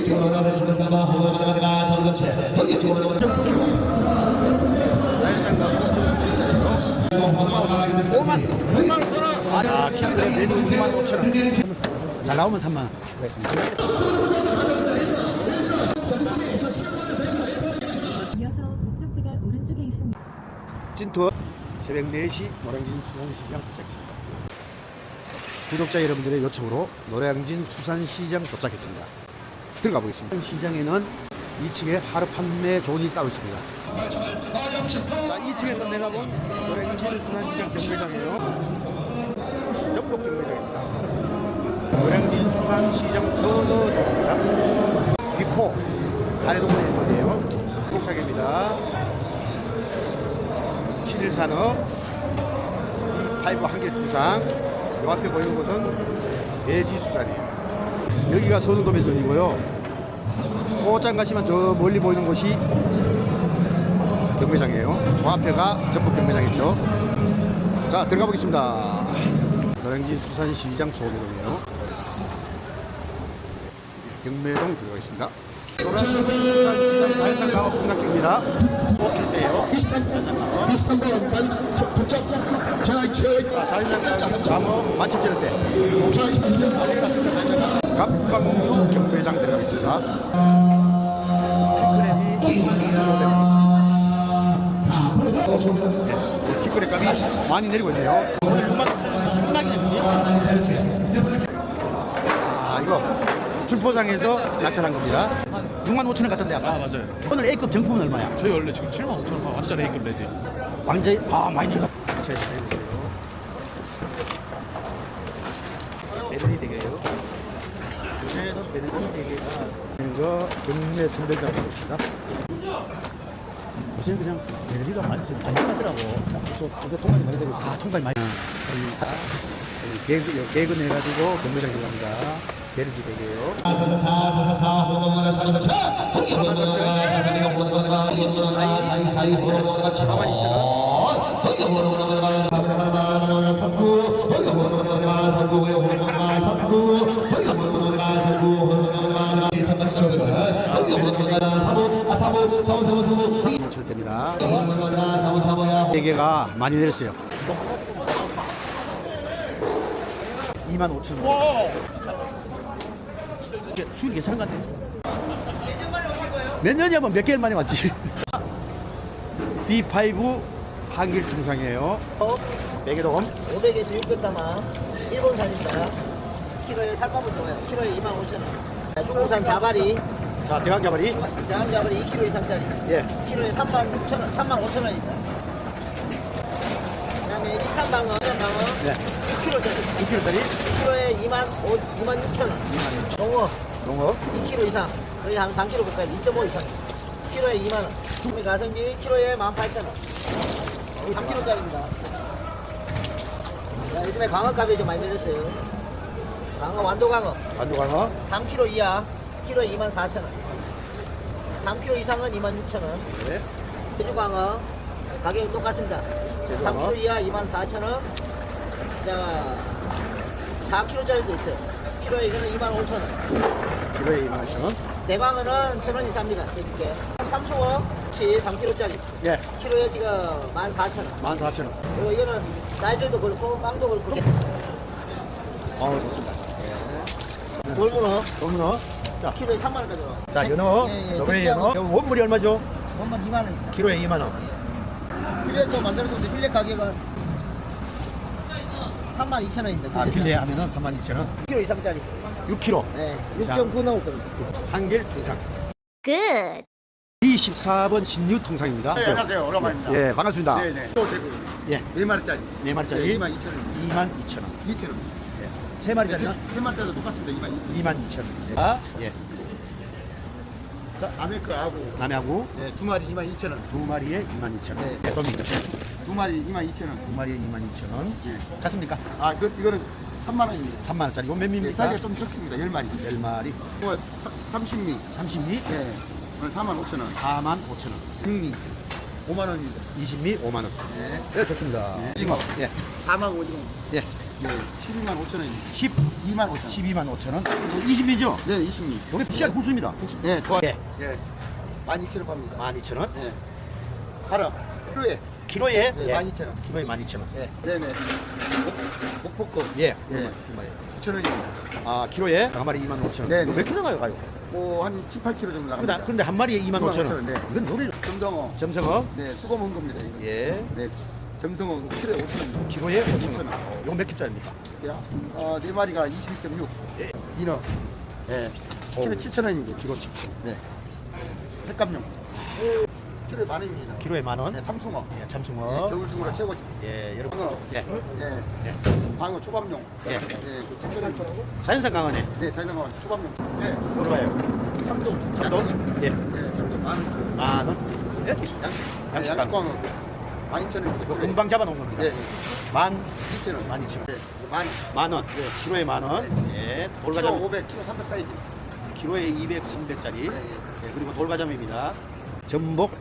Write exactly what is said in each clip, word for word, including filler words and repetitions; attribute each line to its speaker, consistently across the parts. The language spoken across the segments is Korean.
Speaker 1: 아, 키로에 메뉴 이만 오천 원. 잘 나오면 삼만 원.
Speaker 2: 이어서 목적지가 오른쪽에 있습니다.
Speaker 1: 찐투어 새벽 네 시 노량진 수산시장 도착했습니다. 구독자 여러분들의 요청으로 노량진 수산시장 도착했습니다. 들어가 보겠습니다. 시장에는 이 층에 하루 판매 존이 따로 있습니다. 자, 이 층에서 내다본 노량진 수산시장 경매장이에요. 전복 경매장입니다. 노량진 수산시장 서서동입니다. 비포 아래동네에 있는데요. 복사계입니다. 신일산업, 이파이브 한길두상, 요 앞에 보이는 곳은 예지수산이에요. 여기가 서울도매점이고요. 꽃장 가시면 저 멀리 보이는 곳이 경매장이에요. 그 앞에가 전북 경매장이죠. 자, 들어가 보겠습니다. 노량진 수산시장 소매동이에요. 경매동 들어가겠습니다. 노량진 수산시장 자연산 강업 공략중입니다. 오킬 때예요.
Speaker 3: 이스탄불 만 도착. 자,
Speaker 1: 자연산 장어 만 칠천 원대. 갑광류 경매장 들어가겠습니다. 키크랩 값이 많이 내리고 있네요. 오늘 육만 신나게 내리지? 아, 이거 출포장에서 낙찰한 겁니다. 육만 오천 원 같은데 아까?
Speaker 4: 아, 맞아요.
Speaker 1: 오늘 A급 정품은 얼마야?
Speaker 4: 저희 원래 지금 칠만 오천 원 완전 A급 레디.
Speaker 1: 완전히 아 많이 내려. 자, 해보세요. 베르디 대게요. 그래서 베르디 대게가 이거 경매 선별장 하고 있습니다. 요새 그냥 베르디가 많이 안전하더라고. 그래서 통관이 많이 되고. 아, 통관이 많이. 개그 개그 내가지고 경매장 들어갑니다. 베르디 대게요.
Speaker 3: 사사사사사 호동문화 사사사 호동문화 사사비가 호동문화 호동문화 사이사이 호동문화
Speaker 1: 사만 이천 원.
Speaker 3: 호동문화 호동문화 사수 호동문화 사수 호동문화 사수 호동문화 사수 호동문화 호동문화 사부 사부 사부 사부 사부
Speaker 1: 칠 때입니다.
Speaker 3: 호동문화 사부 사부야
Speaker 1: 대게가 많이 내렸어요. 이만 오천 원. 수율 괜찮은 것 같아요. 몇 년이면 몇 개월 만에 왔지. 비 파이브 한길 중상이에요. 매개돔
Speaker 5: 오백에서 육백 담아 일본산입니다. 키로에 살밥은 좋아요. 키로에 이만 오천 원. 중국산 자발이,
Speaker 1: 자, 대왕가발이
Speaker 5: 대한 자발이 이 킬로그램 이상짜리.
Speaker 1: 예,
Speaker 5: 키로에 삼만 육천 원, 삼만 오천 원입니다. 그다음에 이산방어, 이산방어
Speaker 1: 네.
Speaker 5: 육 킬로그램짜리.
Speaker 1: 이 킬로짜리
Speaker 5: 키로에 이만 육천 원. 농어
Speaker 1: 농어
Speaker 5: 이 킬로그램 이상. 거의 한 삼 킬로그램 가까이 이 점 오 이상. 키로에 이만 원. 그다음에 가성비 키로에 만 팔천 원. 삼 킬로그램짜리입니다. 자, 요즘에 광어값이 좀 많이 내렸어요. 광어, 완도광어
Speaker 1: 반도광어
Speaker 5: 삼 킬로그램 이하 키로에 이만 사천 원. 삼 킬로그램 이상은 이만 육천 원.
Speaker 1: 네.
Speaker 5: 제주광어 가격이 똑같습니다.
Speaker 1: 제주광어.
Speaker 5: 삼 킬로그램 이하 이만 사천 원. 자, 사 킬로그램짜리도 있어요. 키로에 이거는 이만 오천 원.
Speaker 1: 키로에 이만 오천 원.
Speaker 5: 대광어는 천 원이 쌉니다. 드릴게. 삼숭어 치 삼 킬로그램짜리
Speaker 1: 예,
Speaker 5: 키로에 지금 만 사천 원.
Speaker 1: 만 사천 원.
Speaker 5: 그리고 이거는 사이즈도 그렇고 빵도 그렇고.
Speaker 1: 어, 좋습니다.
Speaker 5: 돌문어
Speaker 1: 농문어. 자,
Speaker 5: 키로에 삼만 원까지 나와.
Speaker 1: 자, 연어.
Speaker 5: 예, 예.
Speaker 1: 노브레 연어. 원물이 얼마죠?
Speaker 5: 원만 이만 원입니다.
Speaker 1: 키로에 이만 원.
Speaker 5: 필렛도 만들었는데 필렛 가격은 삼만 이천 원입니다.
Speaker 1: 아, 필레 하면은 삼만 이천 원.
Speaker 5: 킬로 이상짜리.
Speaker 1: 육 킬로그램.
Speaker 5: 네, 육 점 구 나올 겁니다.
Speaker 1: 한길 통상.
Speaker 2: 끝.
Speaker 1: 이십사 번 신유 통상입니다.
Speaker 6: 네, 안녕하세요. 오랜만입니다.
Speaker 1: 예, 반갑습니다.
Speaker 6: 네네. 또 대구.
Speaker 1: 예,
Speaker 6: 네 마리짜리.
Speaker 1: 네 마리짜리
Speaker 6: 네, 이만 이천 원.
Speaker 1: 이만 이천 원.
Speaker 6: 이천 원.
Speaker 1: 예. 세 마리짜리는
Speaker 6: 세 마리짜리도 똑같습니다. 이만 이천 원.
Speaker 1: 이만 이천 원. 아, 예.
Speaker 6: 자, 남의 거하고
Speaker 1: 남해하고
Speaker 6: 네, 두 마리 이만 이천 원.
Speaker 1: 두 마리에 이만 이천 원.
Speaker 6: 네.
Speaker 1: 네, 돔입니다.
Speaker 6: 두 마리 이만 이천 원.
Speaker 1: 두 마리에 이만 이천 원.
Speaker 6: 네.
Speaker 1: 같습니까?
Speaker 6: 아, 그 이거는 삼만 원입니다.
Speaker 1: 삼만 원짜리고 몇
Speaker 6: 네,
Speaker 1: 미입니까?
Speaker 6: 사이즈가 좀 적습니다. 열 마리.
Speaker 1: 열 마리.
Speaker 6: 뭐 삼십 미.
Speaker 1: 삼십 미.
Speaker 6: 네. 오늘 사만 오천 원.
Speaker 1: 사만 오천 원.
Speaker 6: 육 미. 오만 원입니다.
Speaker 1: 이십 미 오만 원.
Speaker 6: 네.
Speaker 1: 네, 좋습니다.
Speaker 6: 네.
Speaker 1: 이거. 예.
Speaker 6: 사만 오천 원.
Speaker 1: 예.
Speaker 6: 네. 십이만 오천 원입니다.
Speaker 1: 십
Speaker 6: 이만 오천 원.
Speaker 1: 십이만 오천 원. 이십 미죠?
Speaker 6: 네, 이십 미.
Speaker 1: 여기 씨알 국수입니다.
Speaker 6: 네, 좋아요.
Speaker 1: 예.
Speaker 6: 예. 만 이천 원 팝니다.
Speaker 1: 만 이천 원.
Speaker 6: 네. 바로 키로에
Speaker 1: 키로에
Speaker 6: 네,
Speaker 1: 예.
Speaker 6: 만 이천 원.
Speaker 1: 키로에 만 이천 원. 예.
Speaker 6: 네, 네. 목포급.
Speaker 1: 예.
Speaker 6: 예. 구천 원입니다.
Speaker 1: 아, 키로에 한 마리 이만 오천 원.
Speaker 6: 네,
Speaker 1: 이거
Speaker 6: 네.
Speaker 1: 몇 킬로 나요, 가요?
Speaker 6: 뭐한 칠, 팔 킬로 정도 나갑니다.
Speaker 1: 근데, 근데 한 마리에 이만 오천 원.
Speaker 6: 네.
Speaker 1: 이건 노래
Speaker 6: 점성어.
Speaker 1: 점성어.
Speaker 6: 네, 수거 먹은 겁니다. 이거.
Speaker 1: 예.
Speaker 6: 네. 점성어 키로에 오천 원입니다.
Speaker 1: 키로에 오천 원.
Speaker 6: 오천 원.
Speaker 1: 어, 이거 몇 킬짜리입니까?
Speaker 6: 야, 어, 네 마리가 이십이 점 육.
Speaker 1: 예.
Speaker 6: 인어. 네. 키로 칠천 원입니다.
Speaker 1: 키로 칠천 원.
Speaker 6: 네. 횟감용. 키로에 만 원입니다.
Speaker 1: 키로에 만 원.
Speaker 6: 네, 참숭어.
Speaker 1: 예,
Speaker 6: 네,
Speaker 1: 참숭어.
Speaker 6: 겨울숭어로 최고지.
Speaker 1: 예, 여러분.
Speaker 6: 방어.
Speaker 1: 예.
Speaker 6: 네.
Speaker 1: 예.
Speaker 6: 방어 초밥용.
Speaker 1: 예.
Speaker 6: 네, 그 칠천 원.
Speaker 1: 자연산 강어네.
Speaker 6: 네, 자연방어 초밥용. 네.
Speaker 1: 뭐로 봐요?
Speaker 6: 참돔.
Speaker 1: 참돔? 예.
Speaker 6: 네, 참돔 만 원.
Speaker 1: 만 원. 예.
Speaker 6: 양식.
Speaker 1: 양식
Speaker 6: 양식
Speaker 1: 방어.
Speaker 6: 광어. 만 이천 원입니다.
Speaker 1: 이거 금방 잡아놓은 겁니다.
Speaker 6: 네.
Speaker 1: 만,
Speaker 6: 이천 원.
Speaker 1: 만 이천 원.
Speaker 6: 네. 만.
Speaker 1: 만 원. 키로에 만 원. 예.
Speaker 6: 키로
Speaker 1: 돌가자미.
Speaker 6: 오백, 키로 삼백 사이즈.
Speaker 1: 키로에 이백, 삼백짜리.
Speaker 6: 예, 예.
Speaker 1: 예, 그리고 돌가자미입니다. 전복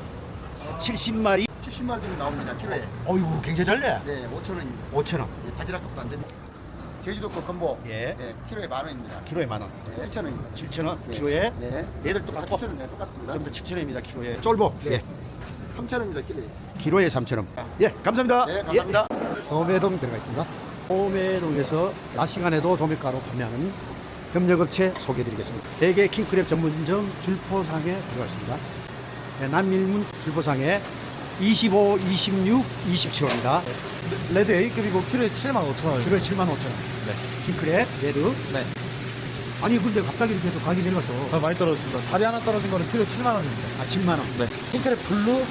Speaker 1: 칠십 마리.
Speaker 6: 칠십만 원 정도 나옵니다. 키로에.
Speaker 1: 어이구, 굉장히 잘 내.
Speaker 6: 네, 오천 원입니다.
Speaker 1: 오천 원.
Speaker 6: 네, 바지락값도 안 됩니다. 제주도 거 건보.
Speaker 1: 예.
Speaker 6: 네, 키로에 만 원입니다.
Speaker 1: 키로에 만 원.
Speaker 6: 네, 칠천 원입니다.
Speaker 1: 칠천 원.
Speaker 6: 네.
Speaker 1: 키로에.
Speaker 6: 네.
Speaker 1: 얘들
Speaker 6: 아,
Speaker 1: 똑같고.
Speaker 6: 칠천 원, 네, 똑같습니다.
Speaker 1: 전부 다 칠천 원입니다. 키로에. 쫄복.
Speaker 6: 네.
Speaker 1: 예.
Speaker 6: 삼천 원입니다. 키로에.
Speaker 1: 키로에 삼천 원. 예, 감사합니다.
Speaker 6: 네, 감사합니다.
Speaker 1: 예. 소매동 들어가 있습니다. 소매동에서 낮 시간에도 도매가로 판매하는 협력업체 소개해드리겠습니다. 대게 킹크랩 전문점 줄포상에 들어가 있습니다. 네, 남일문 줄포상에 이십오, 이십육, 이십칠 호입니다.
Speaker 4: 레드 A급이고 키로에 칠만 오천 원.
Speaker 1: 키로에 칠만 오천 원.
Speaker 4: 네.
Speaker 1: 킹크랩, 레드.
Speaker 4: 네.
Speaker 1: 아니, 근데 갑자기 이렇게 해서 가격이 내려갔어.
Speaker 4: 아, 많이 떨어졌습니다. 다리 하나 떨어진 거는 키로에 칠만 원입니다.
Speaker 1: 아, 칠만 원.
Speaker 4: 네. 킹크랩 블루.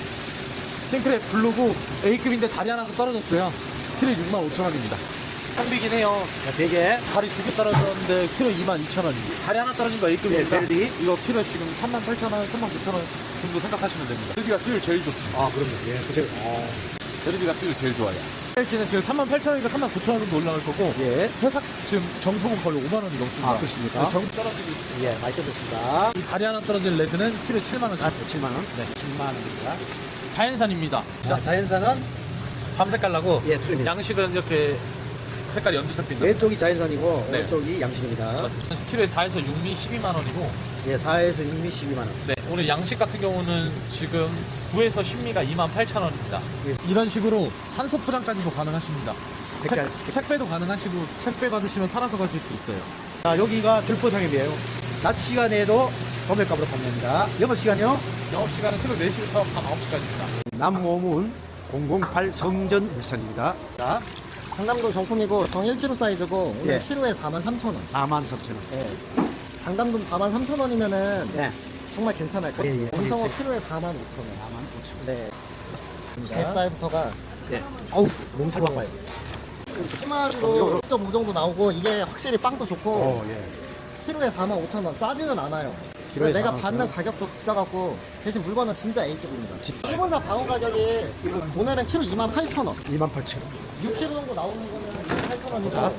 Speaker 4: 킹크랩 블루고 A급인데 다리 하나 떨어졌어요. 키로에 육만 오천 원입니다. 상비긴 해요.
Speaker 1: 자, 대게.
Speaker 4: 다리 두 개 떨어졌는데 키로 이만 이천 원입니다. 다리 하나 떨어진 거 A급입니다.
Speaker 1: 네, 벨리.
Speaker 4: 이거 키로에 지금 삼만 팔천 원, 삼만 구천 원 정도 생각하시면 됩니다. 벨리가 수율 제일 좋습니다.
Speaker 1: 아, 그럼요. 예, 그죠. 어.
Speaker 4: 벨리가 수율 제일 좋아요. 벨치는 지금 삼만 팔천 원이니까 삼만 구천 원 정도 올라갈 거고
Speaker 1: 예.
Speaker 4: 회사 지금 정품은 거의 오만 원이 넘습니다.
Speaker 1: 아, 그렇습니까?
Speaker 4: 네, 정품 떨어지고 있습니다.
Speaker 1: 예, 많이 떨어졌습니다.
Speaker 4: 이 다리 하나 떨어진 레드는 키로에 칠만 원씩.
Speaker 1: 아, 칠만 원. 네, 칠만 원입니다.
Speaker 4: 자연산입니다.
Speaker 1: 자, 자연산은
Speaker 4: 밤색깔 나고
Speaker 1: 예, 틀립니다.
Speaker 4: 양식은 이렇게 색깔이 연두색입니다.
Speaker 1: 왼쪽이 자연산이고
Speaker 4: 네.
Speaker 1: 오른쪽이 양식입니다.
Speaker 4: 키로에 사에서 육 미 십이만 원이고
Speaker 1: 예, 사에서 육 미 십이만 원.
Speaker 4: 네, 오늘 양식 같은 경우는 지금 구에서 십 미가 이만 팔천 원입니다.
Speaker 1: 예.
Speaker 4: 이런 식으로 산소 포장까지도 가능하십니다.
Speaker 1: 택배.
Speaker 4: 택, 택배도 가능하시고 택배 받으시면 살아서 가실 수 있어요.
Speaker 1: 자, 여기가 줄포상임이에요. 낮 시간에도 도매값으로 판매합니다. 영업 시간이요?
Speaker 4: 영업시간은 키로 네 시부터 밤 아홉 시까지입니다.
Speaker 1: 남오문 공공팔 성전 울산입니다. 자,
Speaker 7: 강담도 정품이고 정 일 킬로그램 사이즈고 오늘
Speaker 1: 예.
Speaker 7: 키로에 사만 삼천 원.
Speaker 1: 사만 삼천 원.
Speaker 7: 예. 강담도 사만 삼천 원이면은
Speaker 1: 네.
Speaker 7: 정말 괜찮을 거예요.
Speaker 1: 예, 예.
Speaker 7: 음성어 키로에 사만 오천 원.
Speaker 1: 사만 오천 원.
Speaker 7: 네. 뱃살부터가
Speaker 1: 예. 어우, 너무 좋아요.
Speaker 7: 심화주로 일 점 오 정도 나오고 이게 확실히 빵도 좋고
Speaker 1: 어, 예.
Speaker 7: 키로에 사만 오천 원 싸지는 않아요.
Speaker 1: 키로에
Speaker 7: 내가
Speaker 1: 사만 오천
Speaker 7: 받는
Speaker 1: 원?
Speaker 7: 가격도 비싸갖고 대신 물건은 진짜 A급입니다. 일본산 방어 가격이 오늘은 키로 이만 팔천 원.
Speaker 1: 이만 팔천 원.
Speaker 7: 육 킬로그램 정도 나오는 거는 이만 팔천 원이고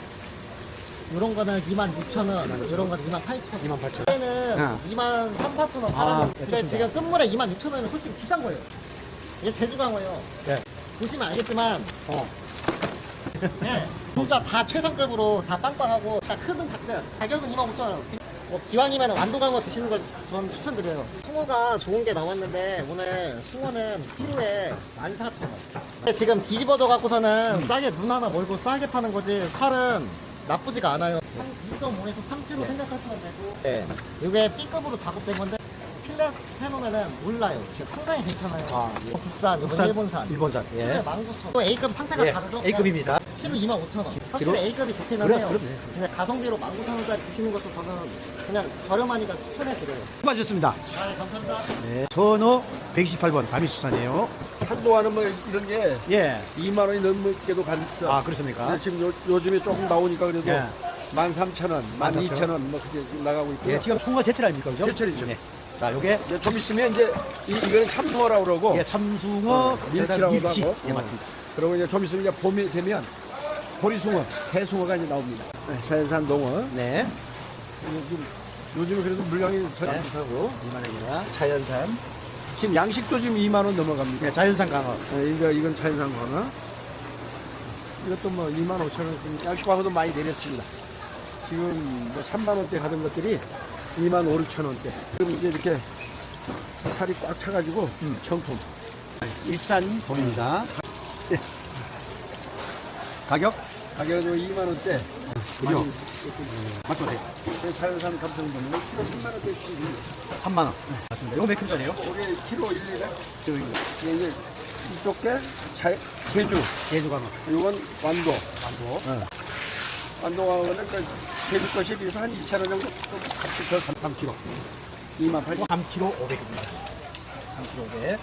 Speaker 7: 이런 거는 이만 육천 원, 이런 거는 이만 팔천 원.
Speaker 1: 이만 팔천 원.
Speaker 7: 얘는
Speaker 1: 어.
Speaker 7: 이만 삼, 사천 원
Speaker 1: 아,
Speaker 7: 팔았는데
Speaker 1: 네,
Speaker 7: 근데
Speaker 1: 좋습니다.
Speaker 7: 지금 끝물에 이만 육천 원은 솔직히 비싼 거예요. 이게 제주강어예요.
Speaker 1: 네.
Speaker 7: 보시면 알겠지만
Speaker 1: 어.
Speaker 7: 네, 진짜 다 최상급으로 다 빵빵하고 다 크든 작든 가격은 이만 오천 원. 뭐 기왕이면 완도강어 드시는 걸 전 추천드려요. 숭어가 좋은 게 나왔는데 오늘 숭어는 키로에 만 사천 원. 근데 지금 뒤집어져 갖고서는 싸게 눈 하나 멀고 싸게 파는 거지 살은 나쁘지가 않아요. 한 이 점 오에서 삼 킬로그램 생각하시면 되고 네. 이게 B급으로 작업된 건데 필렛 해놓으면은 몰라요. 지금 상당히 괜찮아요.
Speaker 1: 아, 예.
Speaker 7: 국산, 이건
Speaker 1: 국산,
Speaker 7: 일본산.
Speaker 1: 일본산.
Speaker 7: 키로에
Speaker 1: 예.
Speaker 7: 만 구천 원. 또 A급 상태가
Speaker 1: 예.
Speaker 7: 다르죠?
Speaker 1: A급입니다.
Speaker 7: 키로 이만 오천 원. 확실히
Speaker 1: 키로?
Speaker 7: A급이 좋기는
Speaker 1: 그래,
Speaker 7: 해요.
Speaker 1: 그럼요.
Speaker 7: 근데 가성비로 만 구천 원짜리 드시는 것도 저는 그냥 저렴하니까 추천해드려요.
Speaker 1: 수고하셨습니다.
Speaker 7: 아, 네, 감사합니다.
Speaker 1: 네. 전호 백이십팔 번 가미수산이에요.
Speaker 8: 한동안은 뭐 이런 게
Speaker 1: 예.
Speaker 8: 이만 원이 넘게도 갔죠.
Speaker 1: 아, 그렇습니까?
Speaker 8: 근데 지금 요, 요즘에 조금 나오니까 그래도
Speaker 1: 예.
Speaker 8: 만 삼천 원, 만
Speaker 1: 만
Speaker 8: 이천 원 뭐 그렇게 나가고 있고요.
Speaker 1: 예, 지금 송어 제철 아닙니까? 그죠?
Speaker 8: 제철이죠.
Speaker 1: 네. 자, 요게
Speaker 8: 이제 좀 있으면 이제 이, 이거는 참숭어라고 그러고
Speaker 1: 예, 참숭어,
Speaker 8: 어, 밀치라고도
Speaker 1: 밀치.
Speaker 8: 하고.
Speaker 1: 예,
Speaker 8: 어.
Speaker 1: 맞습니다.
Speaker 8: 그리고 이제 좀 있으면 이제 봄이 되면 보리숭어, 대숭어가 이제 나옵니다. 네, 자연산 농어.
Speaker 1: 네.
Speaker 8: 요즘 요즘에 그래도 물량이 잘
Speaker 1: 네.
Speaker 8: 안 좋다고
Speaker 1: 이만 원입니다.
Speaker 8: 자연산. 지금 양식도 지금 이만 원 넘어갑니다.
Speaker 1: 네, 자연산 강어.
Speaker 8: 네, 이거 이건 자연산 거나 이것도 뭐 이만 오천 원, 양식하고도 많이 내렸습니다. 지금 뭐 삼만 원대 가던 것들이 이만 오천 원대. 지금 이제 이렇게 살이 꽉 차가지고 정품.
Speaker 1: 일산 돔입니다. 예. 가격?
Speaker 8: 가격은 이만 원대.
Speaker 1: 그죠? 맞죠?
Speaker 8: 자연산 감성돔은 키로 삼만 원대씩.
Speaker 1: 삼만 원. 맞습니다. 이거 몇 킬로짜리예요?
Speaker 8: 올해 키로 일, 이래. 저기 이제 이쪽 게 자, 제주.
Speaker 1: 제주 가면.
Speaker 8: 이건 완도.
Speaker 1: 완도.
Speaker 8: 완도 가면은 그 제주 것에 비해서 한 이천 원 정도 좀 값이 더
Speaker 1: 삼 킬로.
Speaker 8: 이만 팔천 원.
Speaker 1: 삼 킬로 오백입니다. 삼 킬로 오백.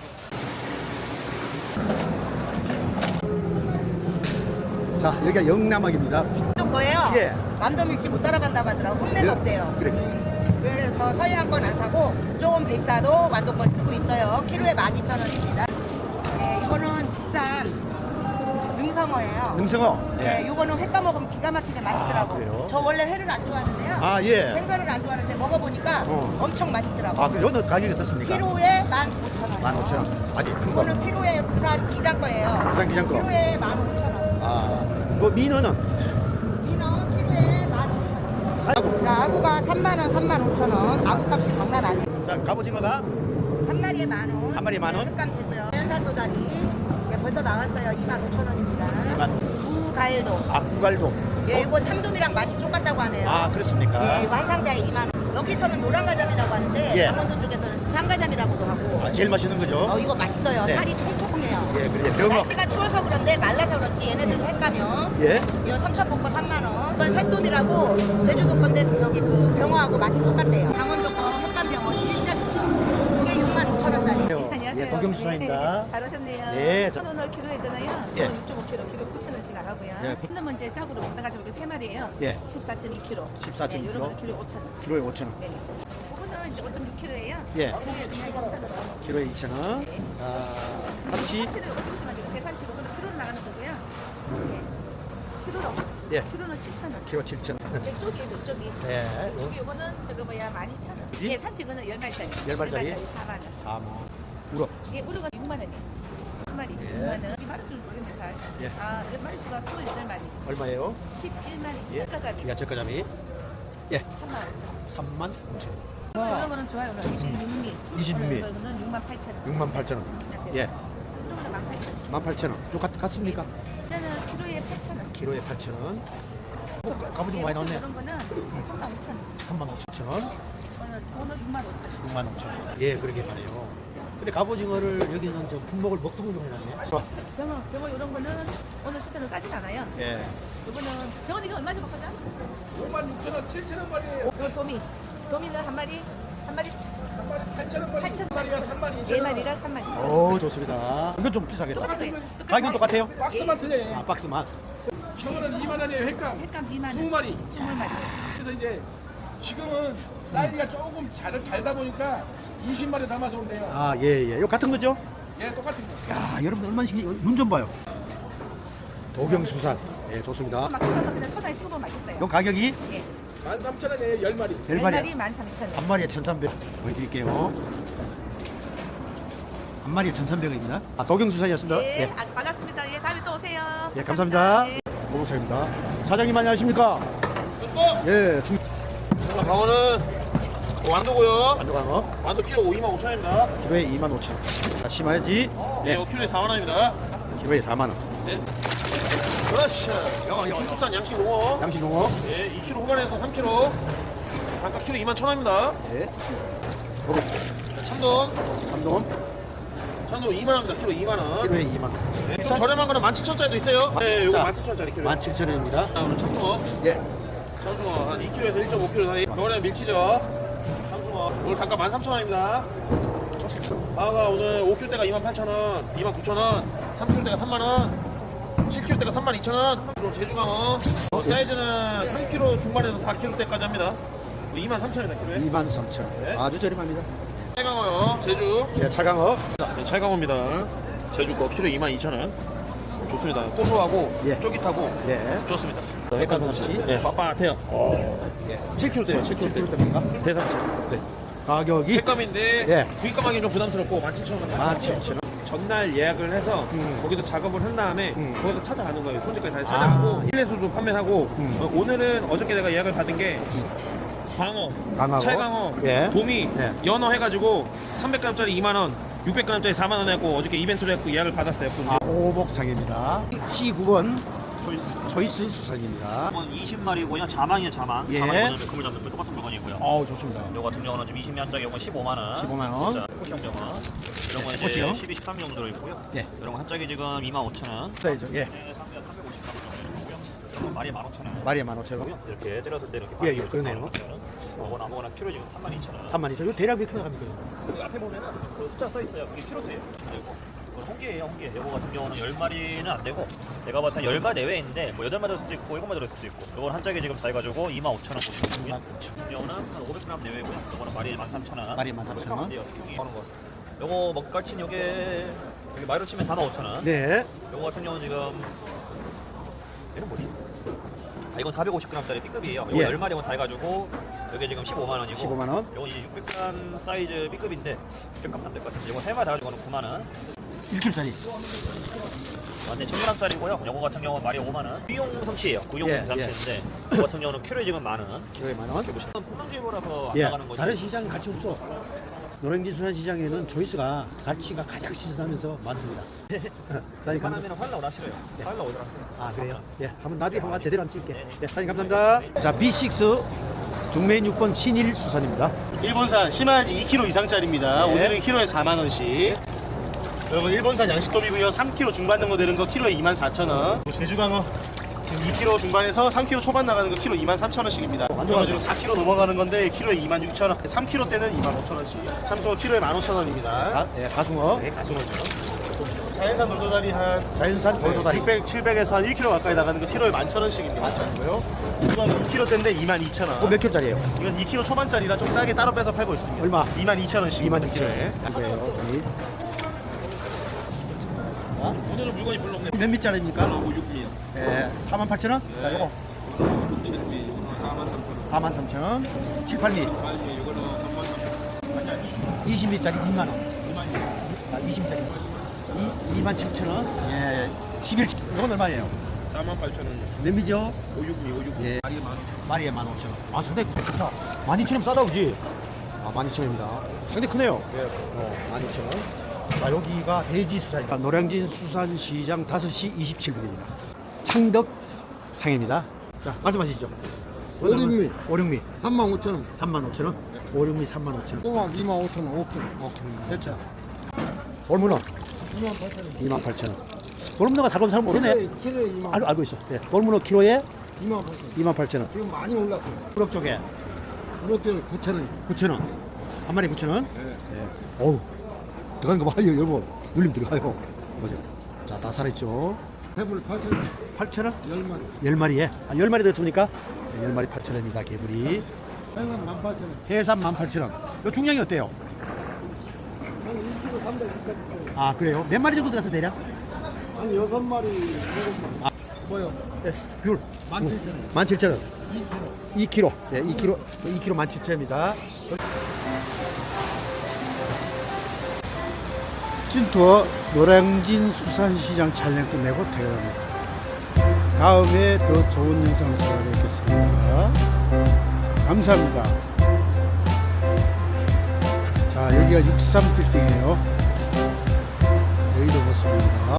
Speaker 1: 자, 여기가 영남학입니다.
Speaker 9: 있던 거예요.
Speaker 1: 예.
Speaker 9: 완도 밀지 못 따라간다고 하더라고. 홈레가 없대요.
Speaker 1: 그래.
Speaker 9: 그래서 서해안 건 안 사고 조금 비싸도 완도 건 쓰고 있어요. 키로에 만 이천 원입니다. 네, 이거는 국산 능성어예요.
Speaker 1: 능성어.
Speaker 9: 네, 이거는 회 까먹으면 기가 막히게 맛있더라고.
Speaker 1: 아, 그래요?
Speaker 9: 저 원래 회를 안 좋아하는데요.
Speaker 1: 아, 예.
Speaker 9: 생선을 안 좋아하는데 먹어보니까
Speaker 1: 어.
Speaker 9: 엄청 맛있더라고.
Speaker 1: 아, 그 요는 가격이 어떻습니까?
Speaker 9: 키로에 만 오천 원.
Speaker 1: 만 오천 원. 아니, 큰 거.
Speaker 9: 이거는 키로에 부산 기장 거예요.
Speaker 1: 부산 기장 거.
Speaker 9: 키로에 만 오천 원.
Speaker 1: 아, 그 민어는?
Speaker 9: 민어 키로에 만 오천 원.
Speaker 1: 아이고.
Speaker 9: 자, 아구가 삼만 원, 삼만 오천 원. 아구 값이 장난 아니에요.
Speaker 1: 자, 갑오징어가
Speaker 9: 한 마리에 만 원.
Speaker 1: 한 마리에 만 원?
Speaker 9: 흑감 주세요. 연산 도다리. 예, 벌써 나왔어요. 이만 오천 원입니다.
Speaker 1: 이만.
Speaker 9: 구가일도.
Speaker 1: 아, 구갈도.
Speaker 9: 예, 이거 참돔이랑 맛이 똑같다고 하네요.
Speaker 1: 아, 그렇습니까?
Speaker 9: 예, 이거 한 상자에 이만 원. 여기서는 노란가자미라고 하는데
Speaker 1: 예.
Speaker 9: 강원도 쪽에서는 참가자미라고도 하고.
Speaker 1: 아, 제일 맛있는 거죠?
Speaker 9: 어, 이거 맛있어요.
Speaker 1: 네.
Speaker 9: 살이 통통해요.
Speaker 1: 예, 그래. 병어.
Speaker 9: 날씨가 추워서 그런데 말라서 그렇지 얘네들도 횟감이요.
Speaker 1: 예.
Speaker 9: 이거 삼천포커 삼만 원. 이건 새돈이라고 제주도 건데 저기 그 병어하고 맛이 똑같대요. 강원도 거 흑감 병어 진짜 좋죠. 이게 육만 오천 원짜리.
Speaker 1: 예, 도경수사입니다.
Speaker 10: 잘 오셨네요.
Speaker 1: 예, 저-
Speaker 10: 천 원을 키로이잖아요.
Speaker 1: 예.
Speaker 10: 육 점 오 킬로, 키로 구천 원씩 나가고요.
Speaker 1: 예.
Speaker 10: 큰 놈은 이제 짝으로 나가지고 이렇게 세 마리예요.
Speaker 1: 예.
Speaker 10: 십사 점 이 킬로.
Speaker 1: 십사 점 이 킬로.
Speaker 10: 네, 이런 키로 오천 원.
Speaker 1: 키로에 오천 원.
Speaker 10: 네. 이거는 이제 오 점 육 킬로예요.
Speaker 1: 예.
Speaker 10: 그게 그냥 이천 원.
Speaker 1: 키로에 이천 원. 자, 참치.
Speaker 10: 참치는 오십만 계산치고 그건 키로로 나가는 거고요. 네. 키로로.
Speaker 1: 예.
Speaker 10: 키로는 칠천 원.
Speaker 1: 키로 칠천 원.
Speaker 10: 이쪽이 이쪽이.
Speaker 1: 예.
Speaker 10: 이쪽이 이거는 저거 뭐야 만 이천 원.
Speaker 1: 예?
Speaker 10: 예, 참치 이거는 열 마리짜리.
Speaker 1: 열 마리짜리?
Speaker 10: 사만 원.
Speaker 1: 아, 뭐. 우럭.
Speaker 10: 예, 우루가 육만 원이에요. 한 마리
Speaker 1: 예.
Speaker 10: 육만 원. 이 마리수를 모르겠네 잘.
Speaker 1: 예.
Speaker 10: 아, 몇 마리수가 스물여덟 마리.
Speaker 1: 얼마예요?
Speaker 10: 십일 마리.
Speaker 1: 예.
Speaker 10: 색가자미.
Speaker 1: 야, 저가자미. 예.
Speaker 10: 삼만 오천 원.
Speaker 1: 삼만 오천 원.
Speaker 10: 이런 거는 좋아요. 이십육 미.
Speaker 1: 이십육 미.
Speaker 10: 이거는 육만 팔천 원.
Speaker 1: 육만 팔천 원. 예.
Speaker 10: 이런 거는 만 팔천 원.
Speaker 1: 만 팔천 원. 요 같, 같습니까?
Speaker 10: 이거는 키로에 팔천 원.
Speaker 1: 키로에 팔천 원. 어, 갑오징어 많이 나왔네.
Speaker 10: 이런 거는 삼만 오천 원.
Speaker 1: 삼만 오천 원.
Speaker 10: 이거는 이거는 육만 오천 원.
Speaker 1: 육만 오천 원. 예, 그러게 말해요. 근데 갑오징어를 여기는 저 품목을 먹통으로 해놨네.
Speaker 10: 병어, 병어 이런 거는 오늘 시세는 싸진 않아요.
Speaker 1: 예.
Speaker 10: 이거는 병원 이거 얼마씩 먹거든? 오만 육천 원, 칠천 원 말이에요. 이거 도미. 도미는 한 마리 한 마리 한 마리 팔천 원 마리. 팔천 마리가 삼 마리. 네 마리가 삼만 이천 원.
Speaker 1: 오, 좋습니다. 이건 좀 비싸겠다.
Speaker 10: 똑같아요.
Speaker 1: 가격은 똑같아요?
Speaker 11: 박스만 틀려요.
Speaker 1: 아, 박스만.
Speaker 11: 저거는 이만 원이에요, 횟감.
Speaker 10: 횟감 이만 원.
Speaker 11: 스무 마리.
Speaker 10: 스물 마리.
Speaker 11: 그래서 이제 지금은 사이즈가 조금 잘 잘다 보니까 이십 마리 담아서 온대요.
Speaker 1: 아, 예, 예. 요 같은 거죠?
Speaker 11: 예, 똑같은 거.
Speaker 1: 야, 여러분 얼마나 신기해. 눈 좀 봐요. 도경수산. 예, 좋습니다.
Speaker 10: 막 끓여서 그냥 초장에 찍어보면 맛있어요.
Speaker 1: 요 가격이
Speaker 10: 예.
Speaker 11: 만 삼천 원이에요, 열 마리.
Speaker 1: 열
Speaker 10: 열
Speaker 1: 마리.
Speaker 10: 마리 만 삼천 원.
Speaker 1: 한 마리에 천삼백. 보여드릴게요. 한 마리에 천삼백 원입니다. 아, 도경수산이었습니다.
Speaker 10: 예,
Speaker 1: 예.
Speaker 10: 아, 반갑습니다. 예, 다음에 또 오세요.
Speaker 1: 예, 감사합니다.
Speaker 10: 예.
Speaker 1: 고봉사입니다. 사장님 안녕하십니까? 예, 중
Speaker 12: 방어는 완도고요.
Speaker 1: 완도광어
Speaker 12: 완도 키로 이만 오천 원입니다.
Speaker 1: 키로에 이만 오천 원. 자, 심화야지.
Speaker 12: 네,
Speaker 1: 네,
Speaker 12: 키로에 사만 원입니다.
Speaker 1: 키로에 사만 원.
Speaker 12: 네. 그렇지. 영어 중국산 양식 농어.
Speaker 1: 양식 농어.
Speaker 12: 예, 이 킬로그램 후반에서 삼 킬로그램. 단가 키로 이만 천 원입니다.
Speaker 1: 예. 도로
Speaker 12: 참돔.
Speaker 1: 삼동
Speaker 12: 참돔 이만 원입니다. 키로 이만 원.
Speaker 1: 키로에 이만 원.
Speaker 12: 네, 좀 저렴한 거는 만 칠천 원짜리도 있어요. 네, 요거 만 칠천 원짜리 키로.
Speaker 1: 만 칠천 원입니다.
Speaker 12: 자, 오늘 참돔.
Speaker 1: 예.
Speaker 12: 참돔 한 이 킬로그램에서 일 점 오 킬로그램 사이. 이번에는 밀치죠. 참돔. 오늘 단가 만 삼천 원입니다. 방어가 오늘 오 킬로그램대가 이만 팔천 원, 이만 구천 원, 삼 킬로그램대가 삼만 원. 칠 킬로그램대가 삼만 이천 원. 그리고 제주강어 사이즈는 삼 킬로그램 중반에서 사 킬로그램대까지 합니다. 이만 삼천 원이다 키로에.
Speaker 1: 이만 삼천 원.
Speaker 12: 네.
Speaker 1: 아주 저렴합니다.
Speaker 12: 찰강어요. 제주.
Speaker 1: 예, 차강어.
Speaker 12: 네, 찰강어입니다. 제주 거 키로 이만 이천 원. 좋습니다. 고소하고
Speaker 1: 예.
Speaker 12: 쫄깃하고
Speaker 1: 예.
Speaker 12: 좋습니다.
Speaker 1: 백간 삼치.
Speaker 12: 네, 빳빳해요.
Speaker 1: 예.
Speaker 12: 칠 킬로그램대요. 칠 킬로그램대.
Speaker 1: 됩니까?
Speaker 12: 대삼치. 네.
Speaker 1: 가격이
Speaker 12: 횟감인데
Speaker 1: 예.
Speaker 12: 구입감하기 좀 부담스럽고 만 칠천 원.
Speaker 1: 만 칠천 원.
Speaker 12: 전날 예약을 해서
Speaker 1: 음.
Speaker 12: 거기서 작업을 한 다음에
Speaker 1: 음.
Speaker 12: 거기서 찾아가는 거예요. 손질까지 다 찾아가고
Speaker 1: 아.
Speaker 12: 일레수도 판매하고
Speaker 1: 음.
Speaker 12: 어, 오늘은 어저께 내가 예약을 받은 게 광어,
Speaker 1: 강하고
Speaker 12: 찰강어,
Speaker 1: 예.
Speaker 12: 도미,
Speaker 1: 예.
Speaker 12: 연어 해가지고 삼백 그램짜리 이만 원, 육백 그램짜리 사만 원 했고 어저께 이벤트로 했고 예약을 받았어요.
Speaker 1: 아, 오복상입니다. 시 구 번 초이스 수산입니다.
Speaker 13: 이십 마리고요. 자망이에요, 자망.
Speaker 1: 예.
Speaker 13: 자망이 먼저 그물 잡는 거 똑같은 물건이고요.
Speaker 1: 어우 좋습니다.
Speaker 13: 요거 같은 경우는 지금 이십 년짜리 요건 십오만 원.
Speaker 1: 십오만 원.
Speaker 13: 자, 포시형 경우. 이런 거 이제
Speaker 1: 포시형.
Speaker 13: 십이, 십삼 정도 들어있고요.
Speaker 1: 예.
Speaker 13: 이런 거 한 짝이 지금 이만 오천 원.
Speaker 1: 사이즈 예.
Speaker 13: 마리에 만 오천 원.
Speaker 1: 마리에 만 오천 원.
Speaker 13: 이렇게 때렸을 때 이렇게.
Speaker 1: 예, 예, 그러네요.
Speaker 13: 요건 아무거나 키로 지금 삼만 이천 원.
Speaker 1: 삼만 이천. 이거 대략 몇 킬로 나갑니까?
Speaker 13: 그 앞에 보면은 그 숫자 써 있어요. 그게 키로수예요. 그리고 이건 홍게예요, 홍게. 요거 같은 경우는 열 마리는 안 되고 내가 봤을 때 열 마리 내외에 있는데 뭐 여덟 마리 들을 수도 있고 일곱 마리 들을 수도 있고 요건 한 짝에 지금 다 해가지고 이만 오천 원 보시면 되고요. 같은 경우는 한 오백 그램 내외고요. 요거는 마리에 만 삼천 원.
Speaker 1: 마리에 만 삼천 원.
Speaker 13: 요거 먹갈친 요게 여기 마리로 치면 사만 오천 원.
Speaker 1: 네.
Speaker 13: 요거 같은 경우는 지금 얘는 뭐지? 아, 이건 사백오십 그램짜리 B급이에요. 이거
Speaker 1: 예.
Speaker 13: 열 마리만 다 해가지고 이게 지금 십오만 원이고
Speaker 1: 십오만 원.
Speaker 13: 이건 이제 육백 그램 사이즈 B급인데 값은 안될 것 같아요. 이거 세 마리 다 가지고는 구만 원.
Speaker 1: 일 킬로짜리.
Speaker 13: 완전 천 그램짜리고요. 요거 같은 경우는 마리 오만 원. 구이용 삼치예요. 구이용
Speaker 1: 예,
Speaker 13: 삼치인데 이거 같은 경우는 키로에 지금 만 원.
Speaker 1: 키로에 만 원.
Speaker 13: 이렇게 보시면 풍랑주의보라서 안
Speaker 1: 예.
Speaker 13: 나가는 거지.
Speaker 1: 다른 시장 가치 없어. 노량진 수산시장에는 조이스가 가치가 가장 시세하면서 많습니다. 사장님 감사.
Speaker 13: 하면 활라 오라시래요. 활라 오라시래요.
Speaker 1: 아 그래요? 예, 한번 나중에 한번 제대로 한번 찍게. 예, 사장님 감사합니다. 자, 비 식스 중매인 육 번 신일 수산입니다.
Speaker 14: 일본산 심화지 이 킬로그램 이상짜리입니다.
Speaker 1: 네.
Speaker 14: 오늘은 키로에 사만 원씩. 여러분 일본산 양식돔이고요. 삼 킬로그램 중반 정도 되는 거 키로에 이만 사천 원. 제주강어 지금 이 킬로그램 중반에서 삼 킬로그램 초반 나가는 거 키로 이만 삼천 원씩입니다. 이거 지금 사 킬로그램 넘어가는 건데 키로에 이만 육천 원. 삼 킬로그램 때는 이만 오천 원씩. 참소 키로에 만 오천 원입니다.
Speaker 1: 아, 예, 가숭어.
Speaker 14: 네, 가슴어죠. 자연산 돌도다리 한
Speaker 1: 자연산 돌도다리.
Speaker 14: 육백, 칠백에서 한 일 킬로그램 가까이 나가는 거 키로에 만 천 원씩입니다.
Speaker 1: 만 천 원이고요.
Speaker 14: 이건 이 킬로그램 때인데 이만 이천 원.
Speaker 1: 그거 몇 킬로짜리예요?
Speaker 14: 이건 이 킬로그램 초반짜리라 좀 싸게 따로 빼서 팔고 있습니다.
Speaker 1: 얼마?
Speaker 14: 이만 이천 원씩.
Speaker 1: 이만 육천 원. 이거예요, 저기.
Speaker 12: 오늘은 물건이 별로 없네.
Speaker 1: 몇 미짜리입니까?
Speaker 12: 육 미요.
Speaker 1: 예, 사만 팔천 원? 자, 요거.
Speaker 12: 칠 미, 사만 삼천 원.
Speaker 1: 사만 삼천 원. 칠, 팔 미.
Speaker 12: 팔 미, 이거는 삼만 삼천 원.
Speaker 1: 이십 미짜리 이만 원. 자, 이십 미짜리. 이만 칠천 원. 예, 십일. 이건 얼마예요?
Speaker 12: 사만 팔천 원.
Speaker 1: 몇 미죠?
Speaker 12: 오육 미, 오육 미.
Speaker 1: 예.
Speaker 12: 마리에 만 오천 원.
Speaker 1: 마리에 만 오천 원. 아, 상당히 크다. 만 이천 원 싸다, 그지? 아, 만 이천 원입니다. 상당히 크네요.
Speaker 12: 예.
Speaker 1: 어, 만 이천 원. 자, 여기가 대지 수산입니다. 노량진 수산시장 다섯 시 이십칠 분입니다. 창덕상입니다. 자, 말씀하시죠.
Speaker 8: 오륙미.
Speaker 1: 오륙미.
Speaker 8: 삼만 오천 원.
Speaker 1: 삼만 오천 원. 오륙미 삼만 오천 원.
Speaker 8: 꼬막 이만 오천 원. 오 킬로.
Speaker 1: 오케이.
Speaker 8: 됐죠.
Speaker 1: 돌문어
Speaker 8: 이만 팔천 원.
Speaker 1: 이만 팔천 원. 돌문어가 잘 보면 잘 모르네.
Speaker 8: 키로에, 키로에 이만.
Speaker 1: 알, 알고 있어. 네. 돌문어 키로에
Speaker 8: 이만 팔천 원.
Speaker 1: 이만 팔천 원.
Speaker 8: 지금 많이 올랐어요.
Speaker 1: 우럭 쪽에
Speaker 8: 이것도 구천 원.
Speaker 1: 구천 원. 한 마리 구천 원.
Speaker 8: 네.
Speaker 1: 네. 어우. 들어가는 거 봐요, 여러분. 눌림 들어가요. 보세요. 자, 다 살아있죠.
Speaker 8: 해불 팔천 원.
Speaker 1: 팔천 원?
Speaker 8: 열 마리.
Speaker 1: 열 마리에. 아, 열 마리 됐습니까? 네, 열 마리 팔천 원입니다, 개불이.
Speaker 8: 해산 만 팔천 원.
Speaker 1: 해삼 만 팔천 원. 요 중량이 어때요?
Speaker 8: 한 일 킬로그램 삼백 이까지.
Speaker 1: 아, 그래요? 몇 마리 정도 들어가서 대략?
Speaker 8: 한 여섯 마리, 일곱 마리.
Speaker 1: 아.
Speaker 8: 뭐요?
Speaker 1: 네, 귤.
Speaker 8: 만 칠천 원.
Speaker 1: 만 칠천 원. 이 킬로그램. 네, 이 킬로그램. 이 킬로그램 만 칠천 원입니다. 찐투어 노량진 수산시장 촬영 끝내고 퇴근합니다. 다음에 더 좋은 영상을 찾아뵙겠습니다. 감사합니다. 자, 여기가 육십삼 빌딩이에요. 여기도